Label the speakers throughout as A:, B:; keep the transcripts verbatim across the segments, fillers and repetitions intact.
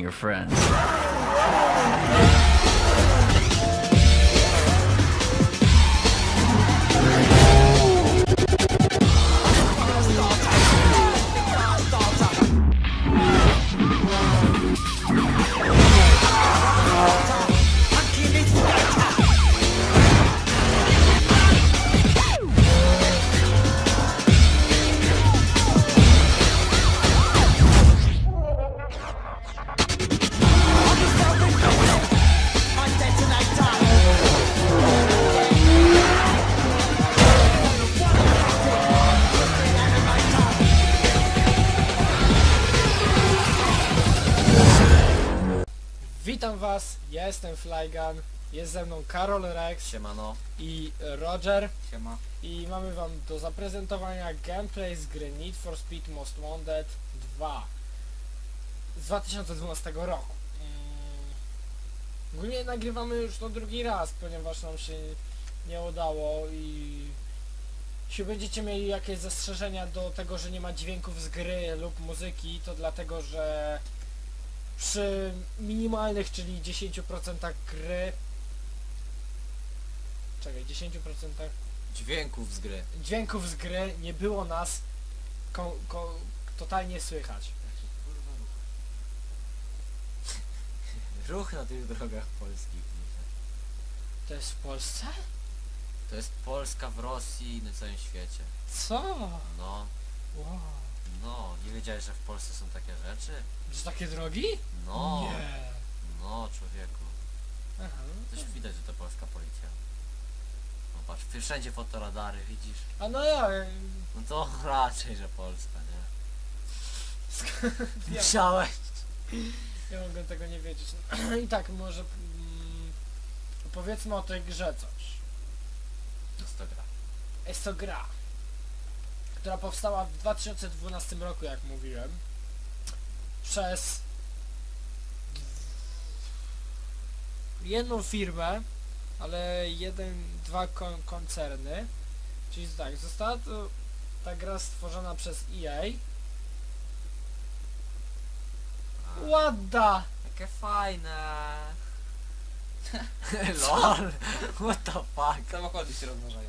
A: your friends.
B: Witam was, ja jestem Flygun, jest ze mną Karol Rex
C: Siemano.
B: i Roger
C: Siema.
B: i mamy wam do zaprezentowania gameplay z gry Need for Speed Most Wanted dwa z dwa tysiące dwunastego roku. Mm, Ogólnie nagrywamy już to drugi raz, ponieważ nam się nie udało i jeśli będziecie mieli jakieś zastrzeżenia do tego, że nie ma dźwięków z gry lub muzyki, to dlatego, że przy minimalnych, czyli dziesięć procent gry, czekaj, dziesięć procent
C: Dźwięków z gry.
B: dźwięków z gry nie było nas ko ko totalnie słychać.
C: Ruch na tych drogach polskich.
B: To jest w Polsce?
C: To jest Polska w Rosji i na całym świecie.
B: Co?
C: No,
B: Wow.
C: no, nie wiedziałeś, że w Polsce są takie rzeczy?
B: Że takie drogi?
C: No,
B: Nie.
C: no człowieku.
B: Aha.
C: Też widać, że to polska policja. No patrz, wszędzie fotoradary, widzisz?
B: A no ja...
C: No to raczej, że Polska, nie?
B: Ja,
C: Musiałeś.
B: ja mogę tego nie wiedzieć. I tak, może mm, powiedzmy o tej grze coś.
C: Jest to gra.
B: Jest to gra, która powstała w dwa tysiące dwunastym roku, jak mówiłem, przez jedną firmę, ale jeden, dwa kon koncerny. Czyli tak, została to ta gra stworzona przez E A.
C: A,
B: Ładda!
C: Jakie fajne. Lol. What the fuck?
D: Samochody się rozmnażają.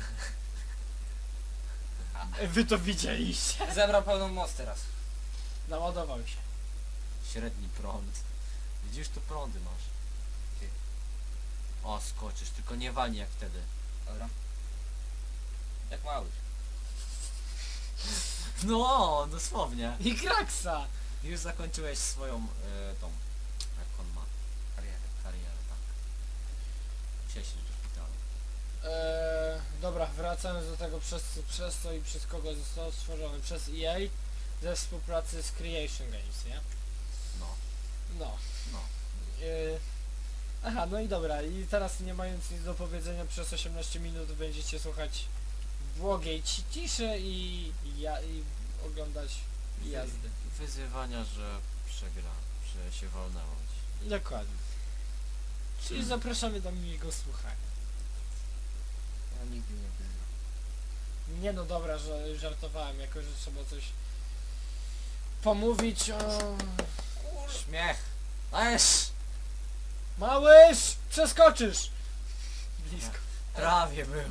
B: Wy to widzieliście?
D: Zebrał pełną moc teraz.
B: Naładował się.
C: Średni prąd. Widzisz, tu prądy masz.
D: Ty.
C: O, skoczysz, tylko nie walnij jak wtedy.
D: Dobra. Jak mały.
C: No, dosłownie.
B: I kraksa!
C: Już zakończyłeś swoją, e, tą, jak on ma,
D: Karierę.
C: karierę, tak. Musiałeś iść do szpitala.
B: Eee, dobra, wracając do tego, przez, przez co i przez kogo został stworzony. Przez E A ze współpracy z Creation Games, nie?
C: No,
B: No.
C: no.
B: Eee, aha, no i dobra, i teraz nie mając nic do powiedzenia, przez osiemnaście minut będziecie słuchać błogiej ci- ciszy i, i, ja, i oglądać jazdy.
C: Wyzywania, że przegra, że się walnęło.
B: Dokładnie. Czyli zapraszamy do miłego słuchania.
D: Ja nigdy nie byłem.
B: Nie no dobra, że żartowałem, jako że trzeba coś pomówić o...
C: Śmiech! Ależ!
B: Małyż! Przeskoczysz! Blisko.
C: Prawie było.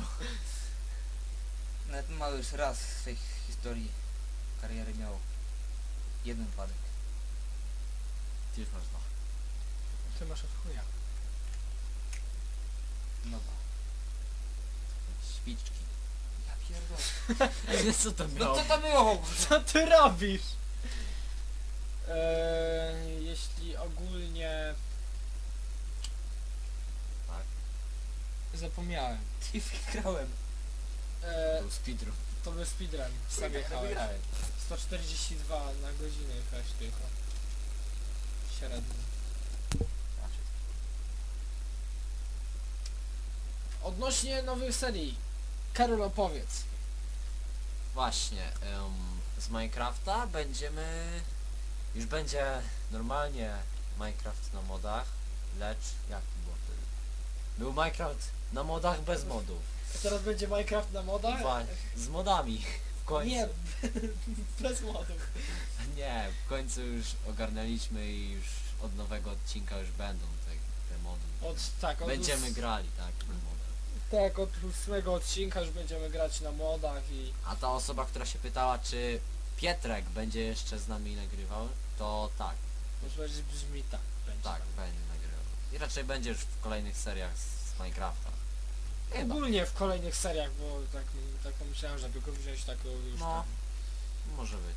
D: Nawet mały już raz w swojej historii kariery miał jeden wypadek.
C: Ty już masz dwa.
B: Ty masz od chuja.
D: No ba.
C: Świczki.
D: Ja pierdolę.
C: Co to
D: No
C: miało?
D: co to było?
B: Co ty robisz? Eee, jeśli ogólnie...
C: Tak.
B: Zapomniałem.
D: Ty wygrałem.
B: Eee,
C: Był speedrun.
B: to był speedrun. Sam jechałeś.
C: Wygrałem.
B: sto czterdzieści dwa na godzinę jechałeś tylko. Średnio.
C: Raczej.
B: Odnośnie nowych serii. Karol, opowiedz.
C: Właśnie, em, z Minecrafta będziemy... Już będzie normalnie Minecraft na modach, lecz jak to było wtedy? Był Minecraft na modach bez modów.
B: Teraz będzie Minecraft na modach?
C: Wa- z modami. W końcu.
B: Nie, bez modów.
C: Nie, w końcu już ogarnęliśmy i już od nowego odcinka już będą te, te mody.
B: Od, tak, od
C: Będziemy
B: ós-
C: grali, tak, na modach.
B: Tak, od ósmego odcinka już będziemy grać na modach i...
C: A ta osoba, która się pytała, czy Pietrek będzie jeszcze z nami nagrywał, to tak,
B: Może brzmi tak. Będzie
C: tak,
B: tak.
C: będzie nagrywał. I raczej będzie już w kolejnych seriach z, z Minecrafta. Chyba.
B: Ogólnie w kolejnych seriach, bo tak, tak pomyślałem, żeby go wziąć tak już
C: No.
B: tam.
C: Może być.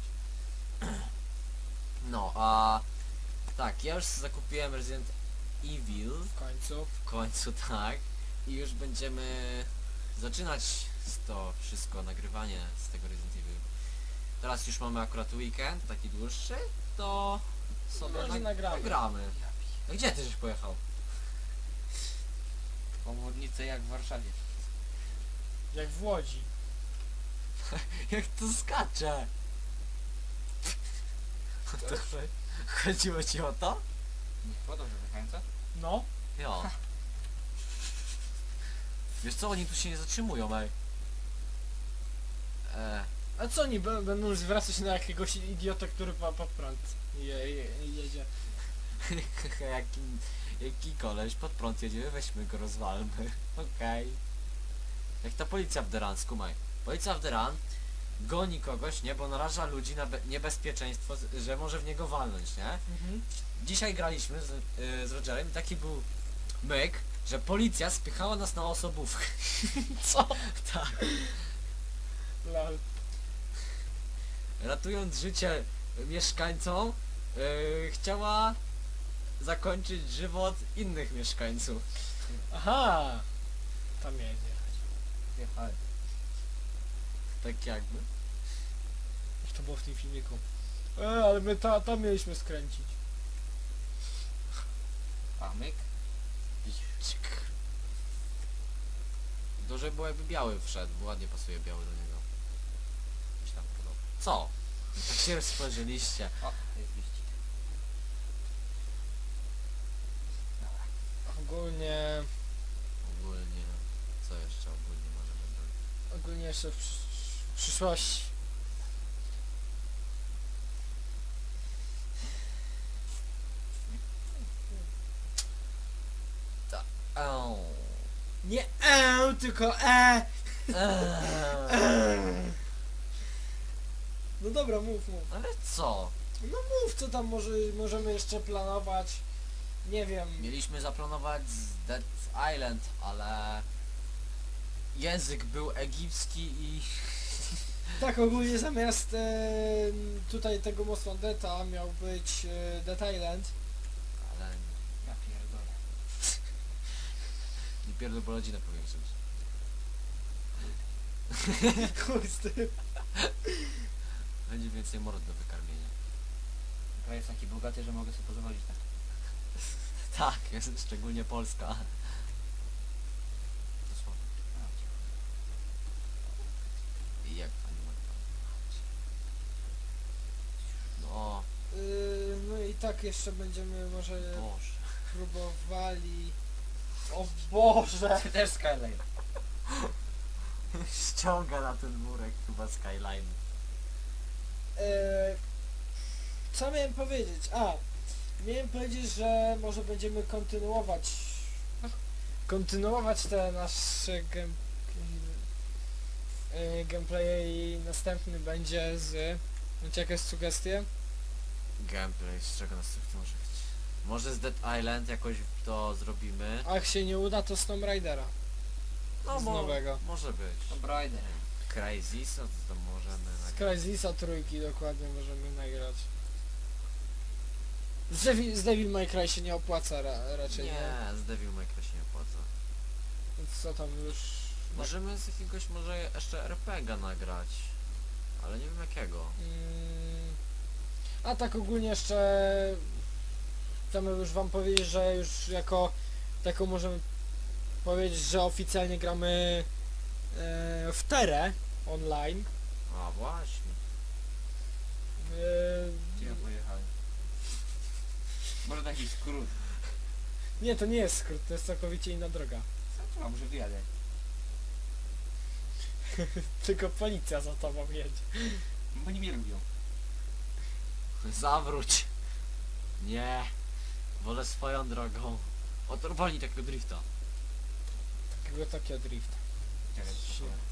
C: No, a tak, ja już zakupiłem Resident Evil,
B: W końcu.
C: w końcu tak, i już będziemy zaczynać z to wszystko, nagrywanie z tego Resident Evil. Teraz już mamy akurat weekend, taki dłuższy, to sobie
B: Może
C: nag-
B: nagramy.
C: nagramy. A gdzie ty żeś pojechał?
D: Komornice jak w Warszawie.
B: Jak w Łodzi.
C: Jak to skacze? O to cho- chodziło ci o to?
D: Nie chyba dobrze wychająca?
B: No.
C: Jo. Wiesz co, oni tu się nie zatrzymują, ej. Eee,
B: A co oni b- będą zwracać na jakiegoś idiotę, który pa, pod prąd je, je, jedzie?
C: jaki, jaki koleś pod prąd jedzie, weźmy go, rozwalmy. Okej. Jak ta policja w Deran, skumaj. Policja w Deran goni kogoś, nie, bo naraża ludzi na be- niebezpieczeństwo, z- że może w niego walnąć, nie?
B: Mhm.
C: Dzisiaj graliśmy z, y, z Rogerem i taki był myk, że policja spychała nas na osobówkę.
B: Co?
C: Tak.
B: Lol.
C: Ratując życie mieszkańcom, yy, chciała zakończyć żywot innych mieszkańców.
B: Aha! Tam jedzie.
D: Wjechałem.
C: Tak jakby.
B: Jak to było w tym filmiku. E, ale my ta, tam mieliśmy skręcić.
D: A myk?
C: To, żeby było jakby biały wszedł, bo ładnie pasuje biały do niego. Mi się tam podoba. Co? Tak się spojrzeliście.
D: O, jest wyścig. Dobra.
B: Ogólnie...
C: Ogólnie, co jeszcze ogólnie możemy zrobić?
B: Ogólnie jeszcze w, przysz- w przyszłości.
C: Au.
B: Nie e, tylko e!
C: Eee.
B: No dobra, mów, mów.
C: Ale co?
B: No mów, co tam może, możemy jeszcze planować. Nie wiem.
C: Mieliśmy zaplanować z Dead Island, ale język był egipski i
B: Tak, ogólnie zamiast e, tutaj tego Most Wanted'a miał być e, Dead Island.
C: ale
D: Ja pierdolę.
C: nie pierdol, bo rodzinę powiększyć.
B: Chuj z tym.
C: Będzie więcej mord do wykarmienia.
D: Kraj jest taki bogaty, że mogę sobie pozwolić na to.
C: Tak, jest szczególnie Polska. Dosłownie.
D: A, cicho.
C: I jak pani ma No,
B: Yy, no i tak jeszcze będziemy może
C: Boże.
B: próbowali... O Boże!
D: Ty też Skyline.
C: Ściąga na ten murek chyba Skyline.
B: Yy, co miałem powiedzieć? A, miałem powiedzieć, że może będziemy kontynuować kontynuować te nasze gem, yy, gameplaye i następny będzie z... Macie jakieś sugestie?
C: Gameplay, z czego nas to może być? Może z Dead Island jakoś to zrobimy.
B: A jak się nie uda, to z Tomb Raidera.
C: No
B: z
C: mo-
B: nowego.
C: może być.
D: Tomb Raider.
C: Crazy, co to możemy
B: Z
C: nagrać?
B: Crysisa trójki dokładnie możemy nagrać. Z Devil, z Devil May Cry się nie opłaca ra, raczej, nie?
C: Nie, z Devil May Cry się nie opłaca.
B: Więc co tam już...
C: Możemy z jakiegoś może jeszcze er pe ga nagrać. Ale nie wiem jakiego.
B: Mm, a tak ogólnie jeszcze... Chcemy już wam powiedzieć, że już jako taką możemy powiedzieć, że oficjalnie gramy e, w Terę online.
C: A właśnie.
B: E,
D: Gdzie ja pojechałem? Może na jakiś skrót.
B: nie, to nie jest skrót, to jest całkowicie inna droga.
D: Co tu, a może wyjadę?
B: Tylko policja za tobą jedzie.
D: Bo nie mnie lubią.
C: Zawróć. Nie. Wolę swoją drogą. Otorwali takiego drifta.
B: Takiego Tokyo Drift.
D: Czekaj,
B: Shit.
D: spokojnie.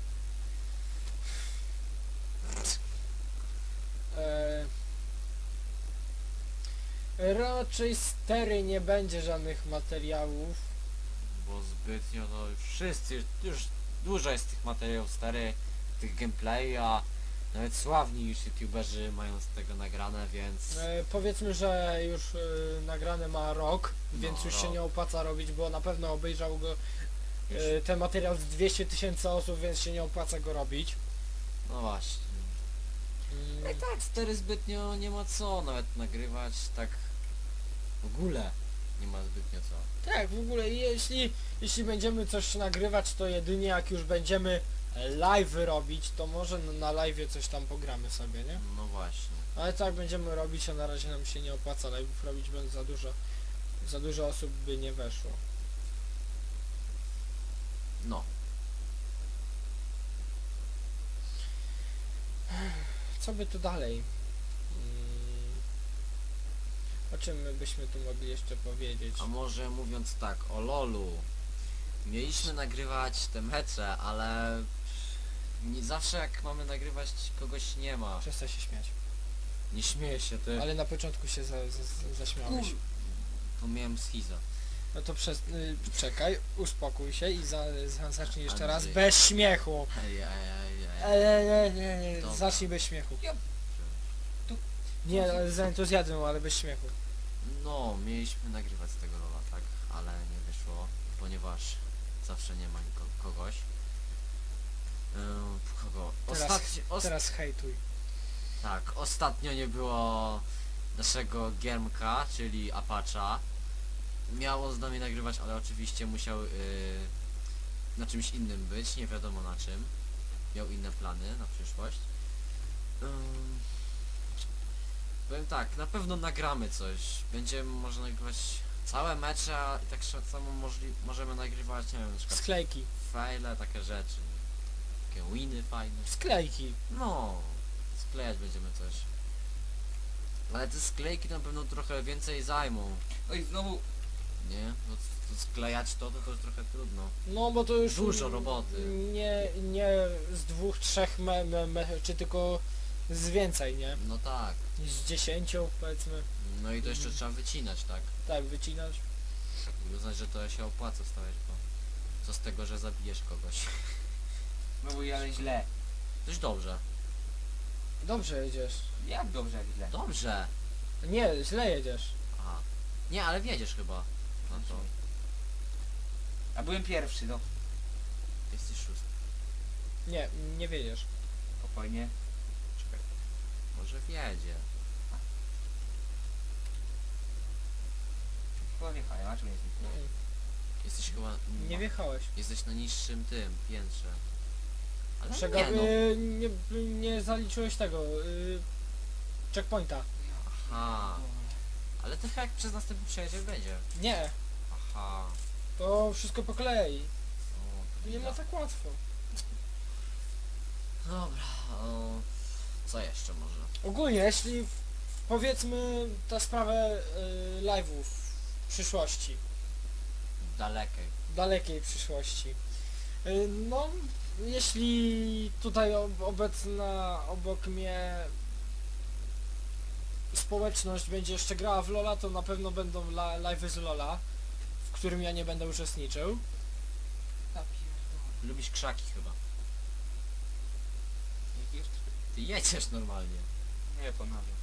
B: E, raczej stery nie będzie żadnych materiałów.
C: Bo zbytnio to już wszyscy, już dużo jest tych materiałów stary, tych gameplay, a nawet sławni już youtuberzy mają z tego nagrane, więc
B: E, powiedzmy, że już e, nagrane ma rok, więc
C: No,
B: już się
C: rok.
B: nie opłaca robić, bo na pewno obejrzał go
C: już,
B: e, ten materiał z dwieście tysięcy osób, więc się nie opłaca go robić.
C: no właśnie.
B: Mm,
C: I tak stary zbytnio nie ma co nawet nagrywać, tak w ogóle nie ma zbytnio co.
B: tak, w ogóle jeśli, jeśli będziemy coś nagrywać, to jedynie jak już będziemy live robić, to może na- na live coś tam pogramy sobie, nie?
C: No właśnie.
B: Ale tak będziemy robić, a na razie nam się nie opłaca live'ów robić, bo za dużo, za dużo osób by nie weszło.
C: No.
B: Co by tu dalej? Mm, o czym my byśmy tu mogli jeszcze powiedzieć?
C: A może mówiąc tak, o lolu. Mieliśmy nagrywać te mecze, ale nie zawsze jak mamy nagrywać kogoś nie ma.
B: Przestań się śmiać.
C: Nie śmieję się, ty.
B: Ale na początku się za, za, zaśmiałeś.
C: Kur... To miałem schiza.
B: No to przez, y, czekaj, uspokój się i za, za, zacznij jeszcze raz
C: Andrzej.
B: bez śmiechu.
C: Ej, ej, ej, ej.
B: Ej, nie, nie, nie,
C: Dobra.
B: zacznij bez śmiechu.
D: Ja- tu-
B: Nie, ale z entuzjazmem, ale bez śmiechu.
C: No, mieliśmy nagrywać z tego rola, tak, ale nie wyszło, ponieważ zawsze nie ma niko- kogoś. Ym, kogo?
B: Teraz-
C: Ostatnio, os
B: Teraz hejtuj.
C: tak, ostatnio nie było naszego Giermka, czyli Apacha. Miało z nami nagrywać, ale oczywiście musiał yy, na czymś innym być, nie wiadomo na czym. Miał inne plany na przyszłość. Ym, powiem tak, na pewno nagramy coś. Będziemy może nagrywać całe mecze, a i tak samo możli możemy nagrywać, nie wiem, na przykład
B: Sklejki.
C: fajle, takie rzeczy. Takie winy fajne.
B: Sklejki.
C: No, sklejać będziemy coś. Ale te sklejki na pewno trochę więcej zajmą,
D: No i znowu
C: nie? No to sklejać to, to, to trochę trudno.
B: No bo to już
C: Dużo roboty.
B: Nie, nie z dwóch, trzech me, me, me, czy tylko z więcej, nie?
C: No tak.
B: Z dziesięciu powiedzmy.
C: No i to jeszcze trzeba wycinać, tak?
B: Tak, wycinać.
C: I uznać, że to się opłaca stawiać, bo co z tego, że zabijesz kogoś.
D: znowu jadę źle.
C: Dość dobrze.
B: Dobrze jedziesz.
D: Jak dobrze, jak źle.
C: Dobrze.
B: Nie, źle jedziesz.
C: Aha. Nie, ale wiedziesz chyba na to.
D: A byłem pierwszy, no.
C: Jesteś szósty.
B: Nie, nie wiedziesz.
D: Spokojnie.
C: Czekaj. Może wiedzie.
D: Chyba wjechałem, a czemu nie jestem?
B: Nie,
C: Jesteś chyba...
B: nie wjechałeś.
C: Jesteś na niższym tym, piętrze. Ale
B: Czego,
C: nie no.
B: y, nie, nie zaliczyłeś tego. Y, checkpointa.
C: Aha. Ale to chyba jak przez następny przejeździec będzie.
B: Nie,
C: Aha.
B: to wszystko po kolei.
C: O, to
B: Nie ma
C: widać.
B: tak łatwo.
C: Dobra. O, co jeszcze może?
B: Ogólnie, jeśli w- powiedzmy tę sprawę y, live'ów w przyszłości,
C: Dalekiej.
B: dalekiej przyszłości. Y, no, jeśli tutaj ob obecna obok mnie społeczność będzie jeszcze grała w LoLa, to na pewno będą la live'y z LoLa, w którym ja nie będę uczestniczył.
D: Ja pierdolę.
C: Lubisz krzaki chyba.
D: Jak jeszcze?
C: Ty jedziesz normalnie.
D: Nie, ponawiam.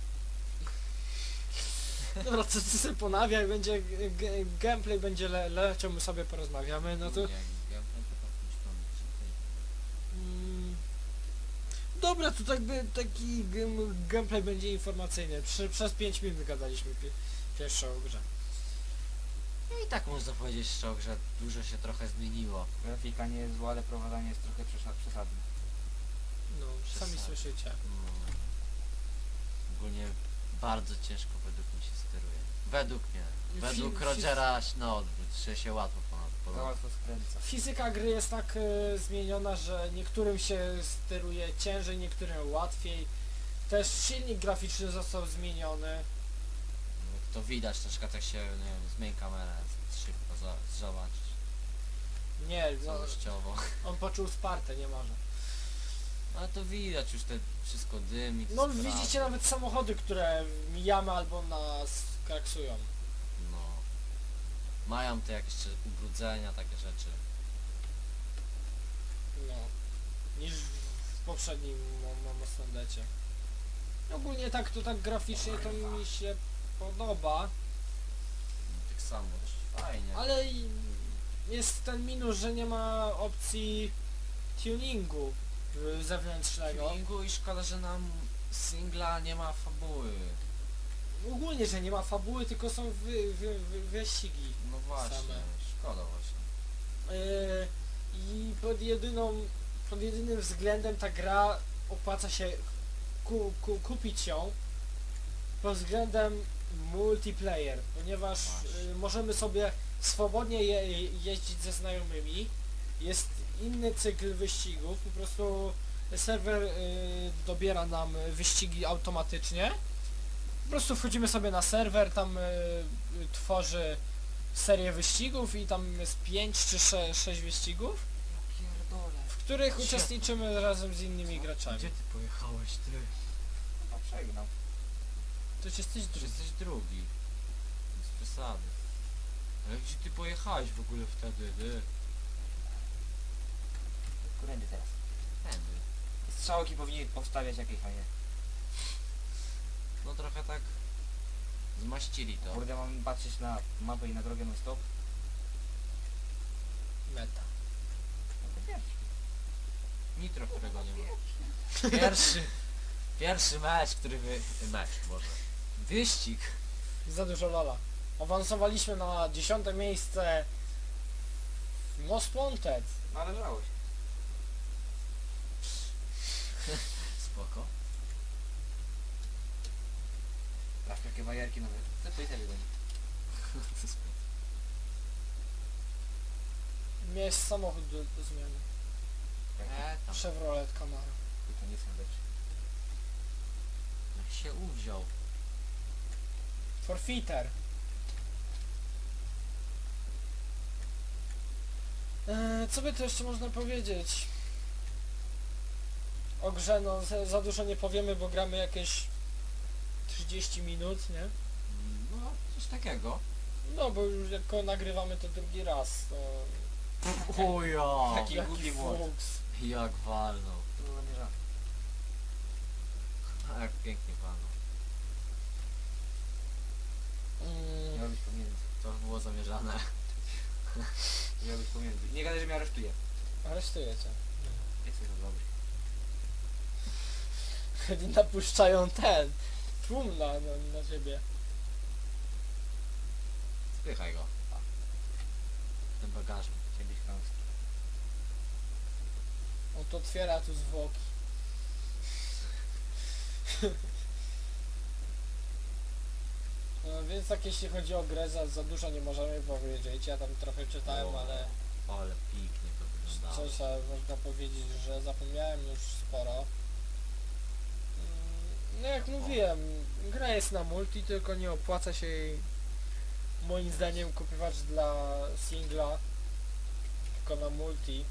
B: Dobra, co ty sobie ponawiaj, będzie g- g- gameplay, będzie le leciał, my sobie porozmawiamy, no to...
C: Nie, ja będę tak myślał,
B: Mm, dobra, to tak by taki gem- gameplay będzie informacyjny. Przy, przez pięć minut gadaliśmy pi pierwszą o grze.
C: No i tak można powiedzieć szczerze, że dużo się trochę zmieniło.
D: Grafika nie jest zła, ale prowadzenie jest trochę przesad przesadne.
B: No, sami
C: Przesadzę.
B: słyszycie.
C: No. Ogólnie bardzo ciężko według mnie się steruje. Według mnie.
B: Fi-
C: Według
B: fi-
C: Rogera na odwrót, że się łatwo ponad
D: Za
C: ponad.
D: łatwo skręca.
B: Fizyka gry jest tak e, zmieniona, że niektórym się steruje ciężej, niektórym łatwiej. Też silnik graficzny został zmieniony.
C: No to widać troszkę, tak się, nie wiem, zmień kamerę szybko, za- zobacz,
B: Nie, no,
C: całościowo.
B: on poczuł Spartę, nie może.
C: Ale to widać już te wszystko dym i
B: No
C: sprawy.
B: widzicie nawet samochody, które mijamy albo nas kraksują.
C: No. Mają te jakieś jeszcze ubrudzenia, takie rzeczy.
B: No. Niż w poprzednim Mostondecie. Ogólnie tak to tak graficznie to mi się podoba,
C: No, tak samo, też fajnie.
B: ale i jest ten minus, że nie ma opcji tuningu y, zewnętrznego.
C: Tuningu i szkoda, że nam singla nie ma fabuły.
B: Ogólnie, że nie ma fabuły, tylko są wy, wy, wy, wyścigi.
C: No właśnie,
B: Same.
C: szkoda właśnie.
B: Yy, I pod jedyną, pod jedynym względem ta gra opłaca się ku, ku, kupić ją pod względem multiplayer, ponieważ
C: Właśnie.
B: yy, możemy sobie swobodnie je, jeździć ze znajomymi. Jest inny cykl wyścigów, po prostu serwer yy, dobiera nam wyścigi automatycznie. Po prostu wchodzimy sobie na serwer, tam yy, tworzy serię wyścigów i tam jest pięć czy sześć wyścigów,
D: Ja pierdolę.
B: w których
C: Gdzie?
B: uczestniczymy razem z innymi graczami.
C: ty pojechałeś, ty?
D: No przegnał.
B: To jesteś
C: Ty
B: drugi.
C: jesteś drugi. Bez przesady. Ale gdzie ty pojechałeś w ogóle wtedy, ty?
D: Którędy teraz?
C: Tędy.
D: Strzałki powinien powstawiać jakieś, a nie.
C: No trochę tak zmaścili to.
D: Kurde, mam patrzeć na mapę i na drogę non stop.
B: Meta.
D: No to pierwszy.
C: Nitro, którego nie ma. Pierwszy, pierwszy mecz, który wy... Mecz, może. Wyścig.
B: Za dużo lola. Awansowaliśmy na dziesiąte miejsce w Most Wanted.
D: Należało się.
C: Spoko.
D: Aż takie bajerki nawet. Co to i sobie goni?
B: Miałeś samochód do, do zmiany.
C: E, tam.
B: Chevrolet Camaro.
D: To nie są rzeczy.
C: Jak się uwziął.
B: Forfeiter. Eee, co by tu jeszcze można powiedzieć? O grze no za, za dużo nie powiemy, bo gramy jakieś trzydzieści minut, nie?
C: Mm, No, coś takiego.
B: No bo już jako nagrywamy to drugi raz, to...
C: O ja!
D: Taki głupi młot.
B: fuks.
C: Jak walnął.
D: To było zamierzone.
C: A jak pięknie walnął.
B: Mm,
D: Miało być pomiędzy.
C: To było zamierzane.
D: Miało być pomiędzy. Nie gadaj, że mnie aresztuje.
B: aresztuję cię.
D: Jesteś za dobry.
B: Kiedy napuszczają ten tłum na, na, na ciebie.
C: Spychaj go. Ten bagażnik.
D: Kiedyś chamski.
B: On to otwiera tu zwłoki. No więc tak jeśli chodzi o grę, za, za dużo nie możemy powiedzieć. Ja tam trochę czytałem,
C: O,
B: ale
C: Ale pięknie to wyglądało.
B: coś e, można powiedzieć, że zapomniałem już sporo. Mm, No jak mówiłem, gra jest na multi, tylko nie opłaca się jej moim zdaniem kupować dla singla, tylko na multi.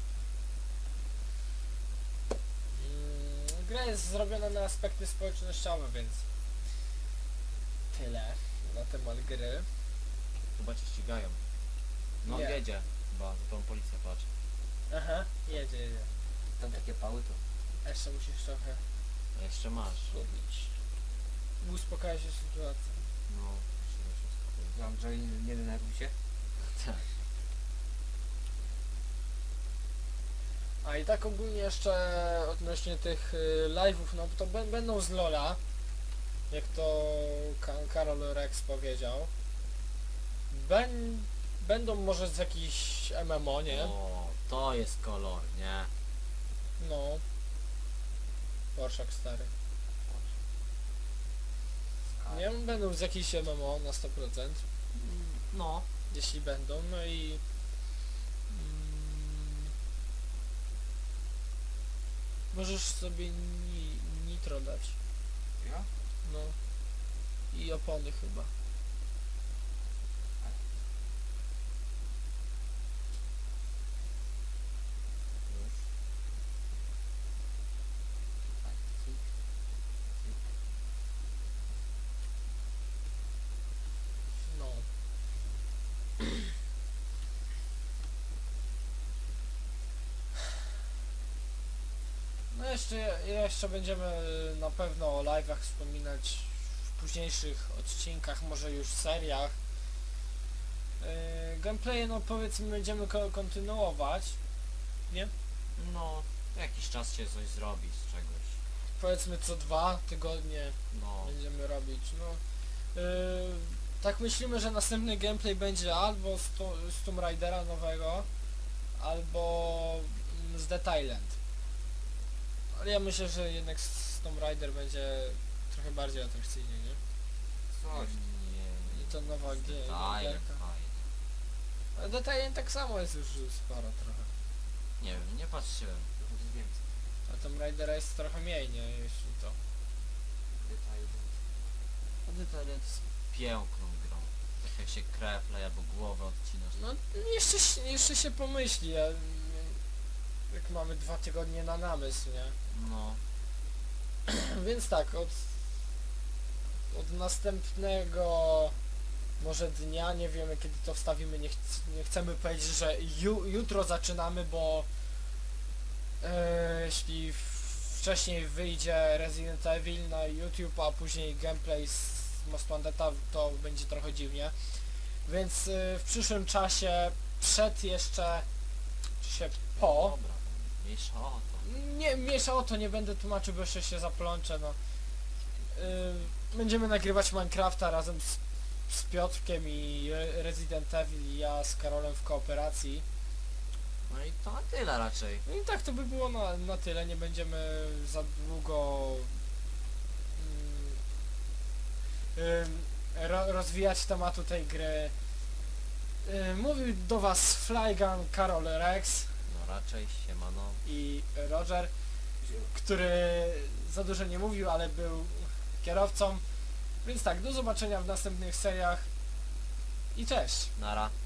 B: Mm, Gra jest zrobiona na aspekty społecznościowe, więc tyle na temat gry.
C: Chyba cię ścigają. No
B: Nie.
C: jedzie. Chyba, za tą policję patrz.
B: Aha, jedzie, jedzie.
D: Tam takie pały to.
B: A jeszcze musisz trochę
C: A jeszcze masz.
B: lubić. Uspokaja się sytuacja.
C: No, trzeba się skupić.
D: Mam, że nie, nie denerwuj się.
C: Tak.
B: A i tak ogólnie jeszcze odnośnie tych y, live'ów, no to b- będą z Lola, jak to Ka- Karol Rex powiedział. Ben, będą może z jakichś M M O, nie?
C: O, to jest kolor, nie?
B: No. Orszak stary. Nie, będą z jakichś M M O na sto procent.
C: No.
B: Jeśli będą, no i... Mm, możesz sobie ni, nitro dać.
D: Ja?
B: No. I opony chyba. jeszcze, jeszcze będziemy na pewno o live'ach wspominać w późniejszych odcinkach, może już seriach. Yy, gameplaye, no powiedzmy, będziemy ko kontynuować, nie?
C: No, jakiś czas się coś zrobi z czegoś.
B: Powiedzmy co dwa tygodnie
C: No,
B: będziemy robić, no. Yy, tak myślimy, że następny gameplay będzie albo z, to, z Tomb Raidera nowego, albo mm, z Dead Island. Ale ja myślę, że jednak z Tomb Raider będzie trochę bardziej atrakcyjnie, nie?
D: Coś.
C: nie,
B: I to nowa gie-
C: Detalem
B: gierka.
C: fajnie.
B: Ale Dead Island tak samo jest już sporo trochę.
C: Nie wiem, nie patrzyłem.
D: Będzie więcej.
B: A Tomb Raidera jest trochę mniej, nie? Jeśli to.
D: Detali.
C: A Detalem jest piękną grą. Tak jak się kreplej albo głowę odcinasz.
B: No jeszcze, się- jeszcze się pomyśli, ja, jak mamy dwa tygodnie na namysł, nie?
C: No,
B: Więc tak, od, od następnego może dnia, nie wiemy kiedy to wstawimy, nie, chc nie chcemy powiedzieć, że ju jutro zaczynamy, bo e, jeśli w- wcześniej wyjdzie Resident Evil na YouTube, a później gameplay z Most Wanted'a, to będzie trochę dziwnie. Więc e, w przyszłym czasie, przed jeszcze, czy się po,
C: dobra, mniejsza o to.
B: nie, miesza o to, nie będę tłumaczył, bo jeszcze się zaplączę, no. Yy, będziemy nagrywać Minecrafta razem z, z Piotrkiem i Re- Resident Evil i ja z Karolem w kooperacji.
C: No i to na tyle raczej.
B: No i tak to by było na, na tyle, nie będziemy za długo mm, ym, ro, rozwijać tematu tej gry. Yy, mówił do was Flygun, Karol, Rex
C: No raczej, siemano.
B: i Roger, który za dużo nie mówił, ale był kierowcą. Więc tak, do zobaczenia w następnych seriach i cześć!
C: Nara.